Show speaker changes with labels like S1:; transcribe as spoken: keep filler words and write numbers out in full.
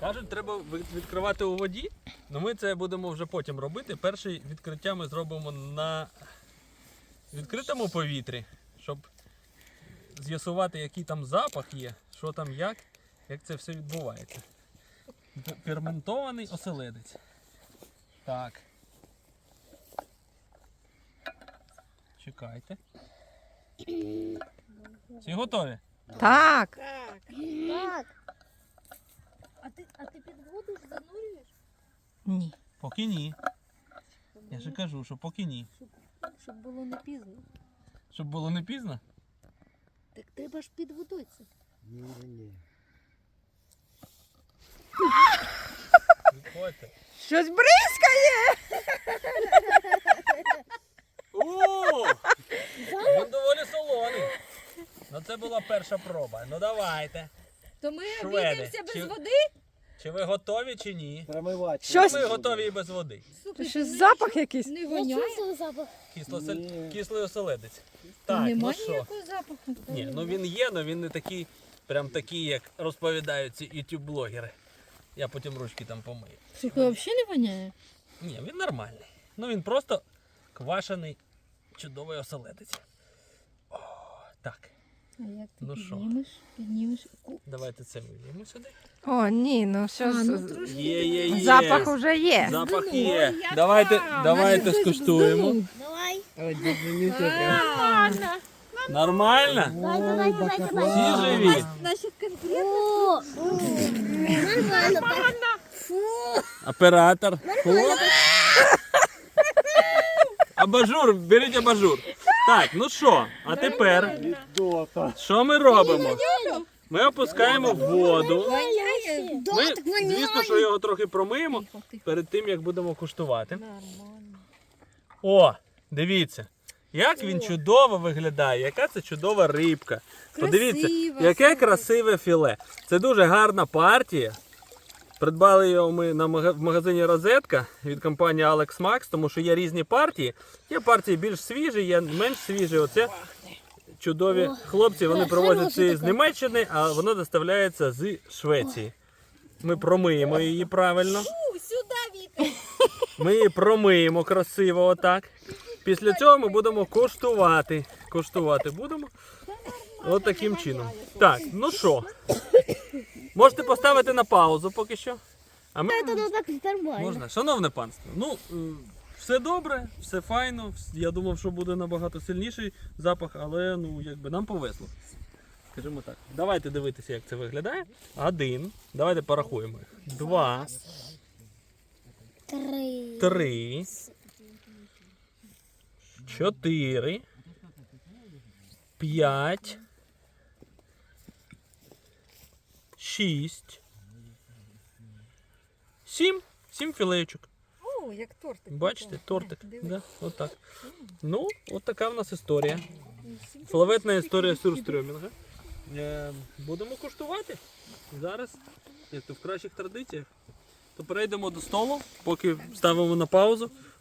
S1: Кажуть, треба відкривати у воді, але ми це будемо вже потім робити. Перше відкриття ми зробимо на відкритому повітрі, щоб з'ясувати, який там запах є, що там як, як це все відбувається. Ферментований оселедець. Так. Чекайте. Всі готові?
S2: Так.
S3: Так.
S4: Так.
S3: А ти, а ти під воду ж занурюєш?
S2: Ні.
S1: Поки ні. Я ж кажу, що поки ні.
S3: Щоб, щоб було не пізно.
S1: Щоб було не пізно?
S3: Так треба ж під водою це.
S4: Ні, ні.
S1: Відходьте.
S2: Щось бризкає.
S1: О! Він доволі солоний. Ну це була перша проба. Ну давайте.
S3: То ми
S1: Шведи.
S3: обійдемося без
S1: Чи-
S3: води?
S1: Чи ви готові чи ні?
S4: Промивати.
S2: Щось-
S1: Ми готові і без води.
S3: Слухай,
S2: Щось
S3: ти
S2: запах якийсь.
S3: не
S4: Я
S3: воняє?
S4: чувствую запах.
S1: Кисло
S4: Ні.
S1: Кислий оселедець. Так, ну
S3: Немає
S1: що?
S3: ніякого запаху.
S1: Ні, ну він є, але він не такий, прям такий, як розповідають ці ютуб-блогери. Я потім ручки там помию.
S3: Слухай, взагалі не воняє?
S1: Ні, він нормальний. Ну він просто квашений, чудовий оселедець. О, так,
S3: А як ти
S1: Ну що?
S3: піднімеш? Піднімеш. Ку-
S1: давайте це вивіємо сюди.
S2: О, ні, ну що
S3: А, ну
S2: з...
S3: трошки.
S1: Є, є, є.
S2: Запах уже є.
S1: Запах
S3: Здунуло.
S1: є.
S3: Ой, яка!
S1: Давайте,
S3: Наче
S1: давайте
S3: хтось
S1: скуштуємо.
S3: вздунув.
S4: Давай.
S2: Ой,
S3: А,
S1: Нормально?
S4: Давай, давай, давай, давай.
S1: Всі живі?
S3: Значить, конкретно.
S4: О, нормально. Фу.
S1: Оператор. Хлоп. Абажур, беріть абажур. Так, ну що, а тепер що ми робимо? Ми опускаємо в воду.
S3: Воняє.
S1: Ми, звісно, що його трохи промиємо
S3: Тихо, тихо.
S1: перед тим, як будемо куштувати.
S3: Нормально.
S1: О, дивіться, як він чудово виглядає, яка це чудова рибка. Подивіться,
S3: Красиво,
S1: яке
S3: слухай.
S1: красиве філе. Це дуже гарна партія. Придбали його ми на мага- в магазині Розетка від компанії Alex Max, тому що є різні партії. Є партії більш свіжі, є менш свіжі. Оце чудові хлопці, вони привозять це з Німеччини, а воно доставляється з Швеції. Ми промиємо її правильно.
S3: Фу, сюди, Віка.
S1: Ми її промиємо красиво отак. Після цього ми будемо коштувати. Коштувати будемо от таким чином. Так, ну що, можете поставити на паузу поки що. А ми...
S4: Это так нормально.
S1: Можна, шановне панство, ну е, все добре, все файно. вс- Я думав, що буде набагато сильніший запах, але ну якби нам повезло. Скажімо так. Давайте дивитися, як це виглядає. Один. Давайте порахуємо їх. Два,
S4: Три.
S1: три, чотири, п'ять, шість, сім. Сім філеєчок.
S3: О, як тортик.
S1: Бачите, тортик.
S3: Дивись.
S1: Да, отак. Ну, от така в нас історія. Славетна історія сюрстрьомінга. Е, будемо куштувати. Зараз, як то в кращих традиціях, то перейдемо до столу, поки ставимо на паузу.